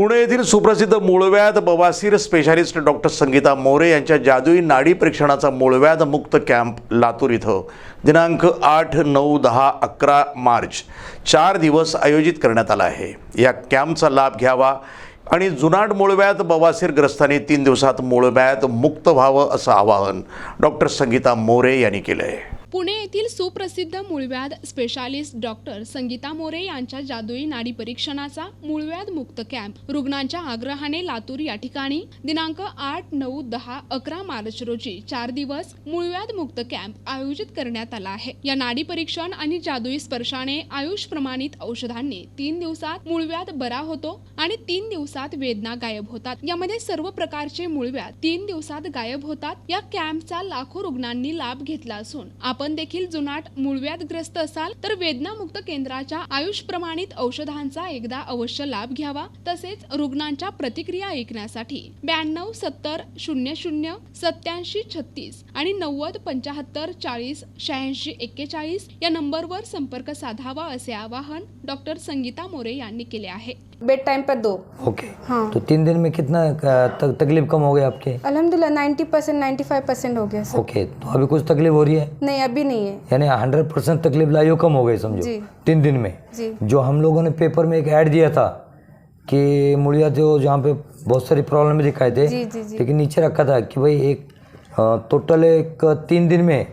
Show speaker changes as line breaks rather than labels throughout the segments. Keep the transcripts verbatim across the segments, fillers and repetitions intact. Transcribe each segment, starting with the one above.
पुणे येथील सुप्रसिद्ध मूळव्याध बवासीर स्पेशालिस्ट डॉक्टर संगीता मोरे यांच्या जादुई नाडी परीक्षणाचा मूळव्याध मुक्त कॅम्प लातूर इथं दिनांक आठ नऊ दहा अकरा मार्च चार दिवस आयोजित करण्यात आला आहे। या कॅम्पचा लाभ घ्यावा आणि जुनाट मूळव्याध बवासीरग्रस्तांनी तीन दिवसात मूळव्याध मुक्त व्हावं असं आवाहन डॉक्टर संगीता मोरे यांनी केलं आहे।
पुणे येथील सुप्रसिद्ध मूळव्याध स्पेशालिस्ट डॉक्टर संगीता मोरे यांच्या जादुई नाडी परीक्षणाचा मूळव्याध मुक्त कॅम्प रुग्णांच्या आग्रहाने लातूर या ठिकाणी दिनांक आठ नऊ दहा अकरा मार्च रोजी चार दिवस मूळव्याध मुक्त कॅम्प आयोजित करण्यात आला आहे। या नाडी परीक्षण आणि जादुई स्पर्शाने आयुष प्रमाणित औषधांनी तीन दिवसात मूळव्याध बरा होतो आणि तीन दिवसात वेदना गायब होतात। यामध्ये सर्व प्रकारचे मूळव्याध तीन दिवसात गायब होतात। या कॅम्पचा लाखो रुग्णांनी लाभ घेतला असून आपण देखील जुनाट मूळव्याधग्रस्त असाल तर वेदनामुक्त केंद्राच्या आयुष प्रमाणित औषधांचा एकदा अवश्य लाभ घ्यावा। तसेच रुग्णांच्या प्रतिक्रिया ऐकण्यासाठी ब्याण्णव सत्तर शून्य शून्य सत्याऐंशी छत्तीस आणि नव्वद पंचाहत्तर चाळीस शहाऐंशी एक्केचाळीस या नंबरवर संपर्क साधावा असे आवाहन डॉक्टर संगीता मोरे यांनी केले आहे।
बेड टाइम पर दो।
ओके
हाँ।
तो तीन दिन में कितना तक, तकलीफ कम हो गई आपके?
अल्हम्दुलिल्लाह ninety percent ninety five percent हो गया सर।
ओके, तो अभी कुछ तकलीफ हो रही है?
नहीं अभी नहीं है।
यानी हंड्रेड परसेंट तकलीफ लाइयो कम हो गई समझो
जी।
तीन दिन में।
जी।
जो हम लोगों ने पेपर में एक ऐड दिया था कि मूलिया जो जहाँ पे बहुत सारी प्रॉब्लम दिखाए थे,
जी, जी, जी।
लेकिन नीचे रखा था कि भाई एक टोटल एक तीन दिन में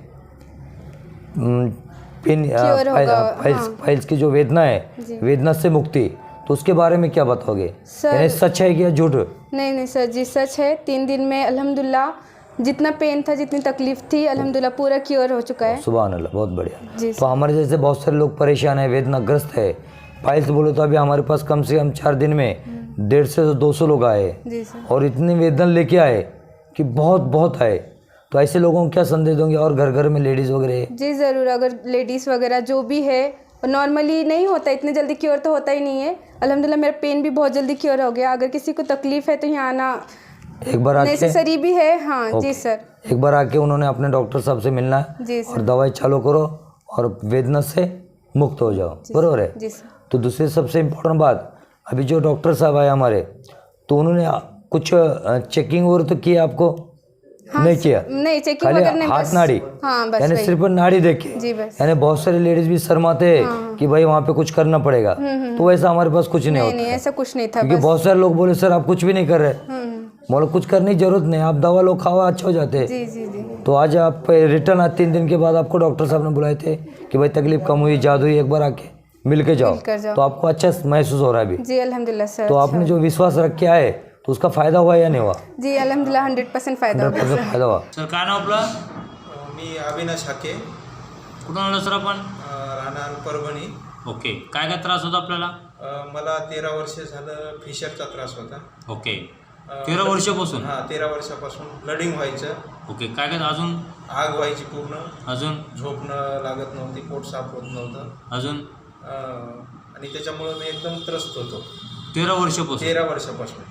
पेन फाइल्स फाइल्स की जो वेदना है वेदना से मुक्ति, तो उसके बारे में क्या बताओगे? यानी सच है कि झूठ?
नहीं नहीं सर जी सच है। तीन दिन में अल्हम्दुलिल्लाह जितना पेन था जितनी तकलीफ थी अल्हम्दुलिल्लाह पूरा क्योर हो चुका है।
सुभान अल्लाह, बहुत बढ़िया।
जी
तो हमारे जैसे बहुत सारे लोग परेशान है, वेदनाग्रस्त है, फाइल्स बोले तो अभी हमारे पास कम से कम चार दिन में डेढ़ से दो सौ लोग आए
जी सर।
और इतनी वेदना लेके आए कि बहुत बहुत आए। तो ऐसे लोगों को क्या संदेश दोगे? और घर घर में लेडीज़ वगैरह?
जी ज़रूर, अगर लेडीज़ वगैरह जो भी है नॉर्मली नहीं होता, इतने जल्दी क्योर तो होता ही नहीं है। अल्हम्दुलिल्लाह मेरा पेन भी बहुत जल्दी क्योर हो गया। अगर किसी को तकलीफ है तो यहाँ आना
एक बार आके
नेसेसरी भी है। हाँ जी सर।
एक बार आके उन्होंने अपने डॉक्टर साहब से मिलना है
जी
और
सर।
दवाई चालू करो और वेदना से मुक्त हो जाओ, बरोबर है?
जी सर।
तो दूसरी सबसे इम्पोर्टेंट बात, अभी जो डॉक्टर साहब आए हमारे, तो उन्होंने कुछ चेकिंग और तो किया आपको?
हाँ,
नहीं किया?
नहीं चेकिंग
खाली
वगैरह नहीं,
हाथ
बस-
नाड़ी?
हाँ बस
यानी
वही।
सिर्फ नाड़ी देखे?
जी बस।
यानी बहुत सारी लेडीज भी शर्माते हैं कि भाई वहाँ पे कुछ करना पड़ेगा, तो वैसा हमारे पास कुछ नहीं
नहीं
होता
नहीं
है।
ऐसा कुछ नहीं था।
क्योंकि
बस
बहुत सारे लोग बोले सर आप कुछ भी नहीं कर रहे, बोलो कुछ करने की जरूरत नहीं, आप दवा लो खाओ अच्छा हो जाते हैं।
जी जी जी।
तो आज आप रिटर्न आज तीन दिन के बाद आपको डॉक्टर साहब ने बुलाए थे कि भाई तकलीफ कम हुई, जादू हुई, एक बार आके मिल के जाओ,
मिलकर जाओ।
तो आपको अच्छा महसूस हो रहा है अभी?
जी अल्हम्दुलिल्लाह सर।
तो आपने जो विश्वास रख के आए तो उसका फायदा हुआ या नहीं हुआ?
जी अल्हम्दुलिल्लाह हंड्रेड परसेंट फायदा हो
हंड्रेड
गया
परसेंट फायदा हुआ।
सर काय नाव आपलं?
मी अविनाश हाके,
कुठून आलो सर आपण?
राहणार परभणी।
ओके, काय काय त्रास होता आपल्याला?
अ, मला तेरा वर्ष झालं फिशरचा त्रास होता।
ओके, तेरा वर्षापासून?
हां तेरा वर्षापासून ब्लडिंग व्हायचं,
ओके, काय काय अजून?
आग व्हायची पूर्ण,
अजून
झोपणं लागत नव्हती, पोट साफ होत नव्हतं,
अजून
अ, आणि त्याच्यामुळं मी एकदम त्रस्त होतो
तेरा वर्षापासून?
तेरा वर्षापासून।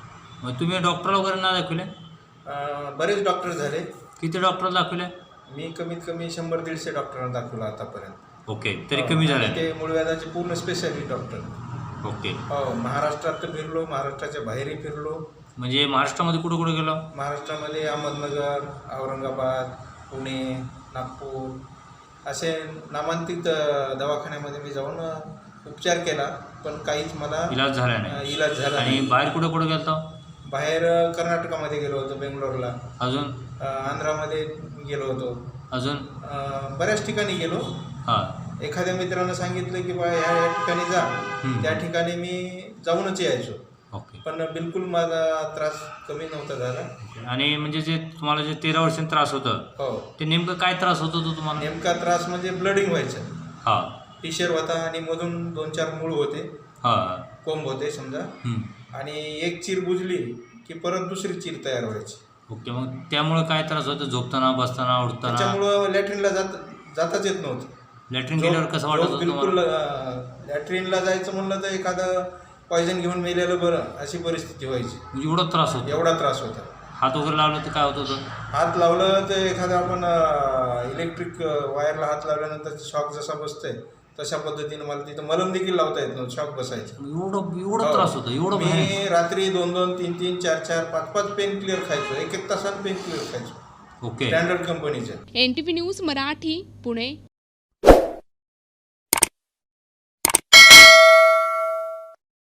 मग तुम्ही डॉक्टर वगैरे ना दाखवले?
अ, बरेच डॉक्टर झाले,
किती डॉक्टर दाखवले?
मी कमीत कमी शंभर दीडशे डॉक्टरांना दाखवलं आतापर्यंत।
ओके, तरी कमी झाले?
आणि ते मूळव्याधाचे पूर्ण स्पेशालिस्ट डॉक्टर।
ओके,
हो, महाराष्ट्रात तर फिरलो, महाराष्ट्राच्या बाहेरही फिरलो।
म्हणजे महाराष्ट्रामध्ये कुठं कुठं गेलो?
महाराष्ट्रामध्ये अहमदनगर, औरंगाबाद, पुणे, नागपूर असे नामांकित अ, दवाखान्यामध्ये मी जाऊन अ, उपचार केला, पण काहीच मला
इलाज झाला
अ,
नाही?
इलाज झाला
आणि
नाही।
बाहेर कुठं कुठं गेलतो?
बाहेर अ, कर्नाटकामध्ये गेलो होतो, बेंगलोरला,
अजून
अ, आंध्रामध्ये गेलो होतो,
अजून
अ, बऱ्याच ठिकाणी गेलो।
हां,
एखाद्या मित्रानं सांगितलं की बा ह्या या ठिकाणी जा,
हम्म.
त्या ठिकाणी मी जाऊनच यायचो,
ओके.
पण बिलकुल माझा त्रास कमी नव्हता झाला।
आणि म्हणजे जे तुम्हाला जे तेरा वर्षांनी त्रास होतं
हो,
ते नेमकं काय त्रास होत होतं तुम्हाला?
नेमका त्रास म्हणजे ब्लडिंग व्हायचं,
हां
फिशर होता आणि मधून दोन चार मूळ होते,
हां,
कोंब होते समजा,
हम्म.
आणि एक चीर बुजली की परत दुसरी चीर तयार व्हायची।
ओके, मग त्यामुळे काय त्रास होतो? झोपताना, बसताना, उठताना?
त्याच्यामुळं लॅट्रिनला जात जाताच येत नव्हतं।
लॅट्रिन गेल्यावर कसं वाटत
झोप
होतं
बिलकुल
तुम्हाला?
अ, लॅट्रिनला जायचं म्हणलं तर एखादं पॉयझन घेऊन मेलेलं बरं अशी परिस्थिती व्हायची,
म्हणजे एवढा त्रास होतो?
एवढा त्रास होता।
हात वगैरे लावलं तर काय होत होतं?
हात लावलं तर एखादा आपण इलेक्ट्रिक वायरला हात लावल्यानंतर शॉक जसा बसतोय तशा पद्धतीनं मला तिथं मलम देखील लावता येत नव्हतं, शॉक बसायचं.
एवढं एवढं त्रास होता एवढं भयानक?
मी रात्री दोन दोन तीन तीन चार चार पाच पाच पेन क्लिअर खायचो, एक एक तासानं पेन क्लिअर खायचो
ओके.
स्टँडर्ड कंपनीचे.
N T V news Marathi Pune.